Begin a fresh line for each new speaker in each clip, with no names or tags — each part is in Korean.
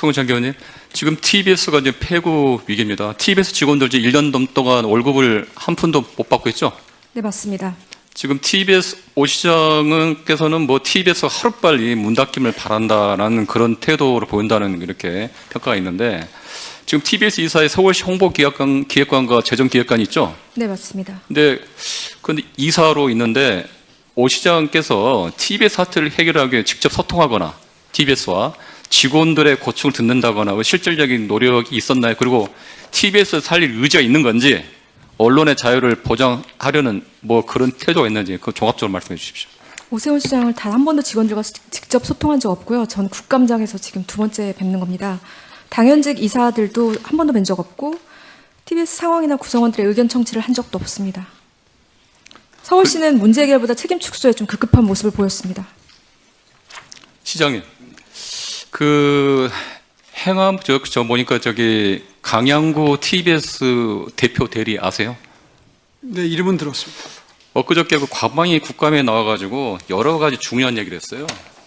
송은창 의원님, 지금 TBS가 이제 폐구 위기입니다. TBS 직원들 이제 1년 넘동안 월급을 한 푼도 못 받고 있죠?
네, 맞습니다.
지금 TBS 오 시장께서는 뭐 TBS가 하루빨리 문 닫김을 바란다라는 그런 태도를 보인다는 이렇게 평가가 있는데, 지금 TBS 이사의 서울시 홍보기획관과 재정기획관이 있죠?
네, 맞습니다.
근데 이사로 있는데 오 시장께서 TBS 사태를 해결하기 위해 직접 소통하거나 TBS와 직원들의 고충을 듣는다거나 실질적인 노력이 있었나요? 그리고 TBS를 살릴 의지가 있는 건지, 언론의 자유를 보장하려는 뭐 그런 태도가 있는지 그 종합적으로 말씀해 주십시오.
오세훈 시장을 단 한 번도 직원들과 직접 소통한 적 없고요. 전 국감장에서 지금 두 번째 뵙는 겁니다. 당연직 이사들도 한 번도 뵌 적 없고 TBS 상황이나 구성원들의 의견 청취를 한 적도 없습니다. 서울시는 문제 해결보다 책임 축소에 좀 급급한 모습을 보였습니다.
시장님, 그 행암 저 보니까 저기 강양구 TBS 대표 대리 아세요?
네, 이름은 들었습니다.
엊그저께 그 과방위 국감에 나와가지고 여러 가지 중요한 얘기를 했어요.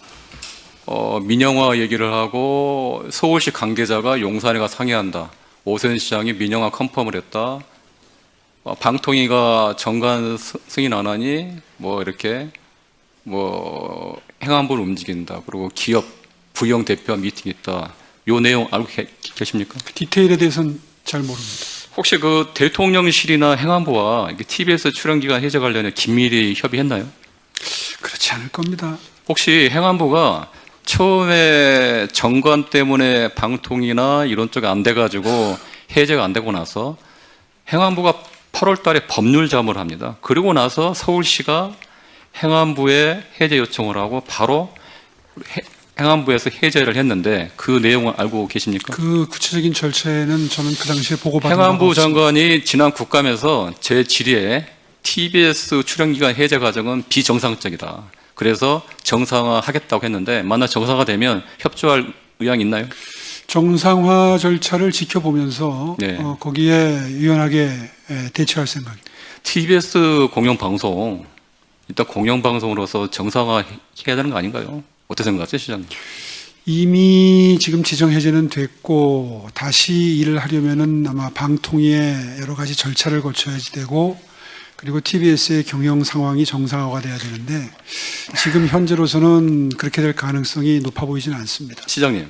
민영화 얘기를 하고 서울시 관계자가 용산에 가 상의한다. 오세훈 시장이 민영화 컨펌을 했다. 방통위가 정관 승인 안 하니 뭐 이렇게 뭐 행안부를 움직인다. 그리고 기업 부영 대표와 미팅이 있다. 요 내용 알고 계십니까?
디테일에 대해서는 잘 모릅니다.
혹시 그 대통령실이나 행안부와 TBS 출연기간 해제 관련해 긴밀히 협의했나요?
그렇지 않을 겁니다.
혹시 행안부가 처음에 정관 때문에 방통이나 이런 쪽이 안 돼가지고 해제가 안 되고 나서 행안부가 8월 달에 법률 자문을 합니다. 그리고 나서 서울시가 행안부에 해제 요청을 하고 바로 행안부에서 해제를 했는데 그 내용을 알고 계십니까?
그 구체적인 절차에는 저는 그 당시에 보고받은
행안부
바가 없습니다.
장관이 지난 국감에서 제 질의에 TBS 출연기간 해제 과정은 비정상적이다. 그래서 정상화하겠다고 했는데 만약 정상화되면 협조할 의향이 있나요?
정상화 절차를 지켜보면서
네.
거기에 유연하게 대처할 생각입니다.
TBS 공영방송, 일단 공영방송으로서 정상화해야 되는 거 아닌가요? 어떻게 생각하세요, 시장님?
이미 지금 지정 해제는 됐고 다시 일을 하려면은 아마 방통위의 여러 가지 절차를 거쳐야지 되고, 그리고 TBS의 경영 상황이 정상화가 돼야 되는데 지금 현재로서는 그렇게 될 가능성이 높아 보이지는 않습니다.
시장님,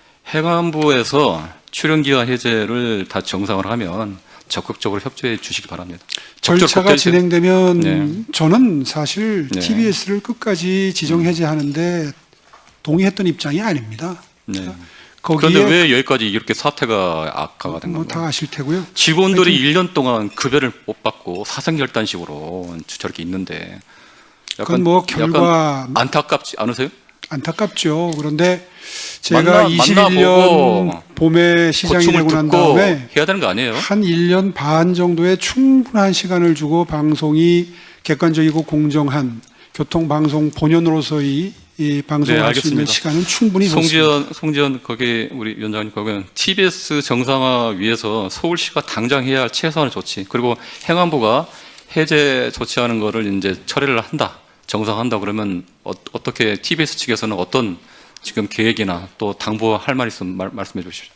행안부에서 출연기간 해제를 다 정상화를 하면 적극적으로 협조해 주시기 바랍니다.
절차가 진행되면
네.
저는 사실
네.
TBS를 끝까지 지정 해제하는데 동의했던 입장이 아닙니다.
네.
거기에
그런데 왜 여기까지 이렇게 사태가 악화가 된 건가요?
다 아실 테고요.
직원들이 1년 동안 급여를 못 받고 사생결단식으로 저렇게 있는데
그건 뭐 결과
약간 안타깝지 않으세요?
안타깝죠. 그런데 제가 21년 봄에 시장이
고충을
되고 난
듣고
다음에
해야 되는 거 아니에요?
한 1년 반 정도의 충분한 시간을 주고 방송이 객관적이고 공정한 교통방송 본연으로서의 이 방송을 할 수 있는
알겠습니다.
시간은 충분히 줬습니다.
송지현 거기 우리 위원장님 거기는 TBS 정상화 위해서 서울시가 당장 해야 할 최소한의 조치, 그리고 행안부가 해제 조치하는 거를 이제 처리를 한다, 정상한다 그러면 어떻게 TBS 측에서는 어떤 지금 계획이나 또 당부할 말 있으면 말씀해 주십시오.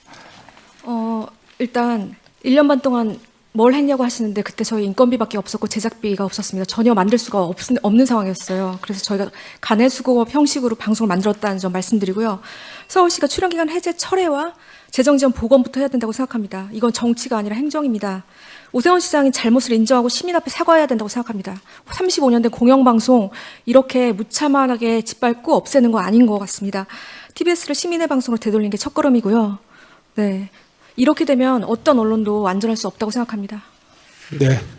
일단 1년 반 동안 뭘 했냐고 하시는데 그때 저희 인건비밖에 없었고 제작비가 없었습니다. 전혀 만들 수가 없는 상황이었어요. 그래서 저희가 간해수공업 형식으로 방송을 만들었다는 점 말씀드리고요. 서울시가 출연기간 해제 철회와 재정지원 복원부터 해야 된다고 생각합니다. 이건 정치가 아니라 행정입니다. 오세훈 시장이 잘못을 인정하고 시민 앞에 사과해야 된다고 생각합니다. 35년 된 공영방송 이렇게 무참하게 짓밟고 없애는 거 아닌 것 같습니다. TBS를 시민의 방송으로 되돌린 게 첫걸음이고요. 네, 이렇게 되면 어떤 언론도 안전할 수 없다고 생각합니다.
네.